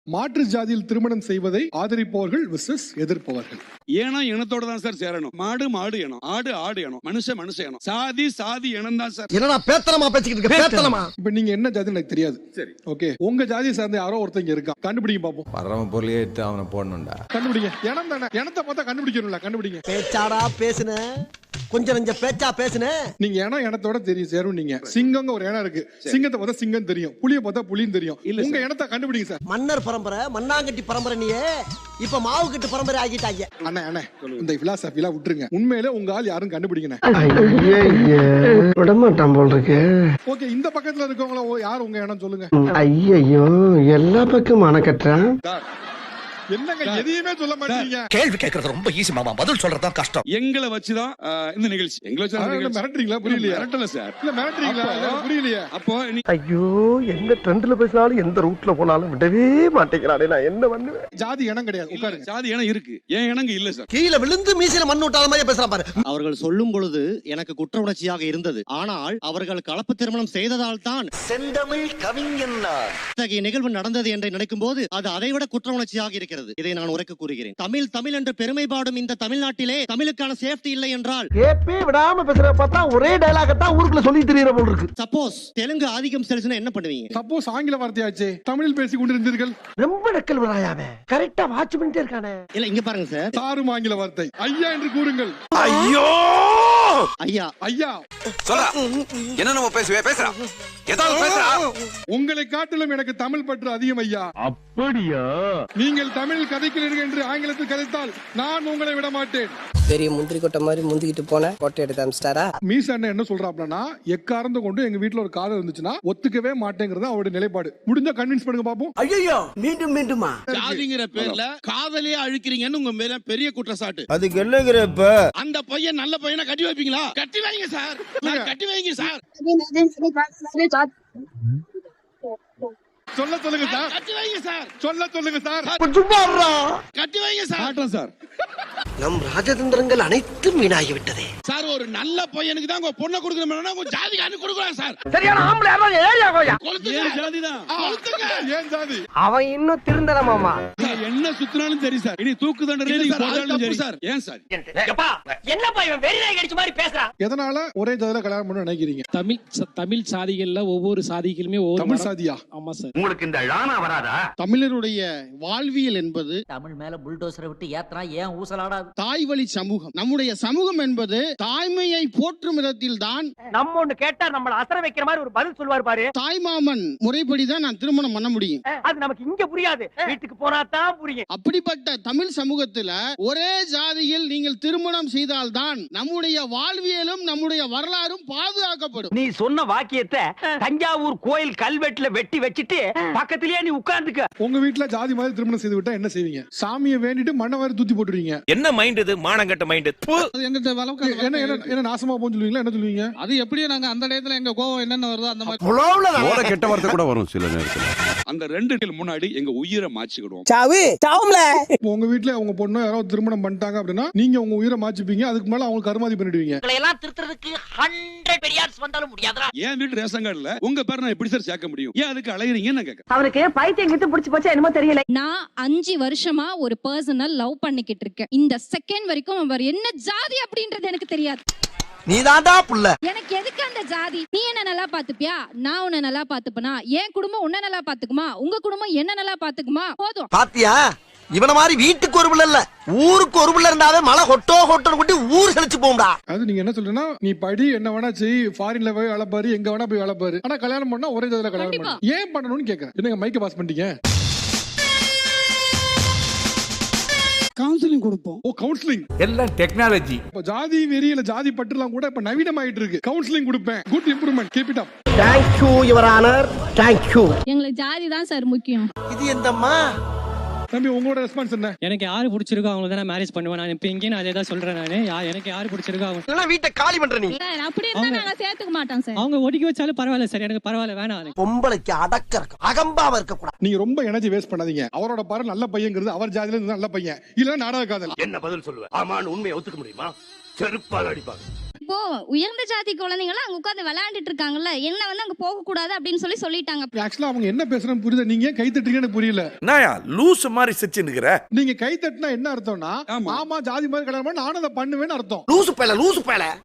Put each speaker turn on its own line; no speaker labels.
மாற்று ஜாதியில் திருமணம் செய்வதை ஆதரிப்பவர்கள் விசஸ் எதிர்ப்பவர்கள்.
ஏன்னா இனத்தோட தான் சார் சேரணும். மாடு மாடு இனம், ஆடு ஆடு இனம், மனுஷன் மனுஷ இனம், சாதி சாதி இனம் தான் சார்.
என்னடா பேத்தலமா பேசிக்கிட்டு இருக்க? பேத்தலமா.
இப்ப நீங்க என்ன ஜாதின்னு எனக்கு தெரியாது.
சரி,
ஓகே, உங்க ஜாதியை சார்ந்த யாரோ ஒருத்தங்க இருக்கான், கண்டுபிடிங்க பாப்போம்.
பரம பொருளையே எடுத்து அவனை போடணும்டா.
கண்டுபிடிங்க. இனம் தானே, இனத்தை பார்த்தா கண்டுபிடிக்கணும்ல, கண்டுபிடிங்க.
பேச்சாடா பேசுன, கொஞ்சம் நெஞ்ச பேச்சா பேசுன.
நீங்க இனத்தோட தெரியும் சேரும். நீங்க சிங்கங்க ஒரு இனம் இருக்கு, சிங்கத்தை பார்த்தா சிங்கம் தெரியும், புலியை பார்த்தா புலின்னு தெரியும். உங்க இனத்தை கண்டுபிடிங்க சார்.
மன்னர் பரம்பரை, மண்ணாங்கட்டி பரம்பரை, நீயே இப்ப மாவு கட்டு பரம்பரை ஆகிட்டாங்க.
அண்ணா அண்ணா, இந்த பிலாசபிலாம் விட்டுருங்க. உண்மையிலே உங்க ஆள் யாரும் கண்டுபிடிக்கணும்.
விடமாட்டான் போல் இருக்கு.
ஓகே, இந்த பக்கத்துல இருக்கவங்கள யார் உங்க இனம் சொல்லுங்க.
ஐயோ, எல்லா பக்கம் அணக்கட்டுறான்.
என்னங்க எதையுமே சொல்ல மாட்டீங்க.
கேள்வி கேட்கறது ரொம்ப ஈஸி மாமா, பதில் சொல்றதா கஷ்டம்.
எங்களை வச்சுதான் இந்த நிகழ்ச்சி. எங்களை வச்சு
மிரட்டுறீங்களா? புரியலையா?
மிரட்டல சார்.
இல்ல மிரட்டுறீங்களா? புரியலையா?
அப்போ
ஐயோ, எந்த ட்ரெண்ட்ல பேசினாலும் எந்த ரூட்ல போனாலும் விடவே மாட்டேங்கிறானே, நான் என்ன பண்ணுவேன்?
ஜாதி இனம் கிடையாது. உட்காருங்க.
ஜாதி இனம் இருக்கு, ஏன் இனங்க இல்ல சார்.
கீழே விழுந்து மீசையில மண் விட்டாத மாதிரி பேசுறான் பாரு.
அவர்கள் சொல்லும் பொழுது எனக்கு குற்ற உணர்ச்சியாக இருந்தது. ஆனால் அவர்கள் கலப்பு திருமணம் செய்ததால் தான்
செந்தமிழ் கவிஞன்
இத்தகைய நிகழ்வு நடந்தது என்று நினைக்கும் போது அது அதைவிட குற்ற உணர்ச்சியாக இருக்கிறது. இதை நான் உரைக்க கூறுகிறேன். தமிழ் தமிழ் என்று பெருமை பாடும் இந்த தமிழ்நாட்டிலே தமிழுக்கான சேஃப்டி இல்லை என்றால்
கேப்பே விடாம பேசுற பார்த்தா ஒரே டயலாக தான் ஊருக்குள்ள சொல்லி தெரியற போல் இருக்கு.
சப்போஸ் தெலுங்கு ஆதிக்கம் செலுத்தினா என்ன பண்ணுவீங்க?
சப்போஸ் ஆங்கில வார்த்தையாச்சே தமிழில் பேசிக் கொண்டிருந்தீர்கள்.
ரொம்ப நக்கல் வராயாவே, கரெக்டா வாட்ச் பண்ணிட்டே இருக்கானே.
இல்ல இங்க பாருங்க சார்,
சாரும் ஆங்கில வார்த்தை ஐயா என்று கூறுங்கள்.
ஐயோ
ஐயா
ஐயா
சொல்றா, என்ன நம்ம பேசுறா, ஏதாவது பேசுறா.
உங்களை காட்டிலும் எனக்கு தமிழ் பற்று அதிகம் ஐயா.
அப்படியா?
நீங்கள் தமிழ் கதைக்கிறீர்கள் என்று ஆங்கிலத்தில் கதைத்தால் நான் உங்களை விட மாட்டேன்.
பெரிய முந்திரி கொட்டை மாதிரி முந்திக்கிட்டு போன கொட்டை எடுத்து அமிச்சிட்டாரா?
மீசா அண்ணன் என்ன சொல்றாப்லன்னா, எக்காரந்த கொண்டு எங்க வீட்டுல ஒரு காதல் இருந்துச்சுன்னா ஒத்துக்கவே மாட்டேங்கிறது அவருடைய நிலைப்பாடு. முடிஞ்சா கன்வின்ஸ் பண்ணுங்க பாப்போம்.
ஐயோ, மீண்டும் மீண்டுமா?
ஜாதிங்கிற பேர்ல காதலியே அழிக்கிறீங்கன்னு உங்க மேல பெரிய குற்றச்சாட்டு.
அதுக்கு என்னங்கிறப்ப
அந்த பையன் நல்ல பையனை கட்டி வைப்பீங்களா? கட்டி வைங்க சார், கட்டி வைங்க சார்.
சொல்ல சொல்லுங்க சார்,
கட்டி வைங்க சார்,
சொல்ல சொல்லுங்க சார்,
கட்டி வைங்க சார். சார்
நம் ராஜதந்திரங்கள் அனைத்தும் வீணாகி விட்டதே.
சார், ஒரு நல்ல பையனுக்கு தான் உங்க பொண்ணை கொடுக்கணும்னா உங்க ஜாதி காரணம் கொடுக்கலாம் சார்.
சரியான ஆம்பளை யாராவது ஏரியா போயா?
ஏன் ஜாதி தான் கொளுத்துங்க.
ஏன் ஜாதி?
அவன் இன்னும் திருந்தல மாமா.
என்ன சுத்தினாலும் சரி சார், இனி தூக்கு தண்டனை நீங்க போட்டாலும் சரி சார். ஏன் சார்?
என்னப்பா இவன் வெறிநாய் கடிச்ச மாதிரி பேசுறான்?
எதனால ஒரே ஜாதியில கல்யாணம் பண்ண நினைக்கிறீங்க?
தமிழ் சாதிகள்ல ஒவ்வொரு சாதிகளுமே
தமிழ் சாதியா?
ஆமா சார்.
உங்களுக்கு இந்த ழானா வராதா?
தமிழருடைய வாழ்வியல் என்பது
தமிழ் மேல புல்டோசரை விட்டு ஏத்தனா ஏன் ஊசலாடாது?
தாய் வழி சமூகம். நம்முடைய சமூகம் என்பது தாய்மையை போற்றும் விதத்தில் தான்.
நம்ம ஒண்ணு கேட்டா நம்மள அசர வைக்கிற மாதிரி ஒரு பதில் சொல்வார் பாரு.
தாய்மாமன் முறைப்படிதான் நான் திருமணம் பண்ண முடியும்.
அது நமக்கு இங்க புரியாது, வீட்டுக்கு போனா தான் புரியும்.
அப்படிப்பட்ட தமிழ் சமூகத்துல ஒரே ஜாதியில் நீங்கள் திருமணம் செய்தால்தான் நம்முடைய வாழ்வியலும் நம்முடைய வரலாறும் பாதுகாக்கப்படும்.
நீ சொன்ன வாக்கியத்தை தஞ்சாவூர் கோயில் கல்வெட்டுல வெட்டி வச்சிட்டு பக்கத்திலேயே நீ உட்கார்ந்துக்க.
உங்க வீட்டுல ஜாதி மாதிரி திருமணம் செய்து விட்டா என்ன செய்வீங்க? சாமியை வேண்டிட்டு மண்ணை வாரி தூத்தி போட்டுருவீங்க.
என்ன மைண்ட் இது, மானங்கட்ட மைண்ட்.
என்ன நாசமா போன்னு சொல்லுவீங்களா? என்ன சொல்லுவீங்க?
அது எப்படியும் நாங்க அந்த நேரத்துல எங்க கோவம் என்னென்ன வருதோ அந்த மாதிரி
கெட்ட வார்த்தை கூட வரும் சில நேரத்துல.
அந்த 2 முன்னாடி எங்க உயிரை மாச்சிக்கிடுவோம்.
சாவு சாவும்ல.
உங்க வீட்டுல உங்க பொண்ணு யாராவது திருமணம் பண்ணிட்டாங்க அப்படின்னா நீங்க உங்க உயிரை மாச்சிப்பீங்க. அதுக்கு மேல அவங்க கருமாதி பண்ணிடுவீங்க.
எல்லாம் திருத்துறதுக்கு 100 பெரியார்ஸ் வந்தாலும் முடியாதுடா.
ஏன் வீட்டு ரேஷன் கார்டுல உங்க பேர் நான் எப்படி சார் சேர்க்க முடியும்? ஏன் அதுக்கு அலையறீங்கன்னு நான் கேட்க.
அவனுக்கு பைத்தியம் கிட்ட பிடிச்சு போச்சா என்னமோ தெரியல.
நான் 5 வருஷமா ஒரு பர்சனல் லவ் பண்ணிக்கிட்டு இருக்கேன். இந்த செகண்ட் வரைக்கும் அவர் என்ன ஜாதி அப்படின்றது எனக்கு தெரியாது.
நீதான்டா புள்ள.
எனக்கு எதுக்கு அந்த ஜாதி? நீ என்ன நல்லா பாத்துப்பியா? நான் உன்னை நல்லா பாத்துப்பனா? என் குடும்பம் உன்னை நல்லா பாத்துக்குமா? உங்க குடும்பம் என்ன நல்லா பாத்துக்குமா? போதும்.
பாத்தியா, இவன மாதிரி வீட்டுக்கு ஒரு பிள்ளை இல்ல ஊருக்கு ஒரு பிள்ளை இருந்தாவே மழை ஹொட்டோ ஹொட்டோன்னு கூட்டி ஊர் செழிச்சு போகும்டா.
அது நீங்க என்ன சொல்றீங்கன்னா, நீ படி என்ன வேணா செய், ஃபாரின்ல போய் வளப்பாரு, எங்க வேணா போய் வளப்பாரு, ஆனா கல்யாணம் பண்ணா ஒரே ஜாதியில கல்யாணம் பண்ணு. ஏன் பண்ணணும்னு கேக்குறேன். என்னங்க மைக்க பாஸ் பண்ணிட்டீங்க?
கவுன்சிலிங் கொடுப்போம்.
ஓ, கவுன்சிலிங்
எல்லாம் டெக்னாலஜி.
இப்ப ஜாதி வெறியில ஜாதி பற்றுலாம் கூட இப்ப நவீனமாயிட்டு இருக்கு. கவுன்சிலிங் கொடுப்பேன். Good improvement. Keep it up.
Thank you your honor. Thank you.
எங்களுக்கு ஜாதி தான் சார் முக்கியம்.
இது எந்தம்மா?
தம்பி, உங்களோட ரெஸ்பான்ஸ் என்ன?
எனக்கு யாரு பிடிச்சிருக்கோ அவங்கள தான் மேரேஜ் பண்ணுவேன். நான் இப்ப இங்கே அதே தான் சொல்றேன். நானு எனக்கு யாரு பிடிச்சிருக்கோ அவங்க.
இல்ல வீட்டை காலி பண்ற நீ.
அப்படி இருந்தா நாங்க சேர்த்துக்க மாட்டோம் சார்.
அவங்க ஒதுக்கி வச்சாலும் பரவாயில்ல சார், எனக்கு பரவாயில்ல, வேணாம்.
பொம்பளைக்கு அடக்க இருக்கு, அகம்பாவ இருக்க கூடாது.
நீங்க ரொம்ப எனர்ஜி வேஸ்ட் பண்ணாதீங்க. அவரோட பாரு நல்ல பையங்கிறது அவர் ஜாதியில இருந்து நல்ல பையன் இல்ல நாடக காதல்.
என்ன பதில் சொல்லுவ? ஆமான்னு உண்மையை ஒத்துக்க முடியுமா? செருப்பால் அடிப்பாங்க.
இப்போ உயர்ந்த ஜாதி குழந்தைங்க எல்லாம் அங்க உட்கார்ந்து விளையாண்டுட்டு இருக்காங்கல்ல, என்ன வந்து அங்க போக கூடாது அப்படின்னு சொல்லிட்டாங்க.
ஆக்சுவலா அவங்க என்ன பேசுறேன்னு புரியுது, நீங்க ஏன் கை தட்டுறீங்கன்னு புரியல.
நாயா லூஸ் மாதிரி சிரிச்சுன்னுக்குற.
நீங்க கை தட்டினா என்ன அர்த்தம்னா, ஆமா ஜாதி மாதிரி கல்யாணம் பண்ணா நானும் அதை பண்ணுவேன்னு அர்த்தம்.
லூசு பேல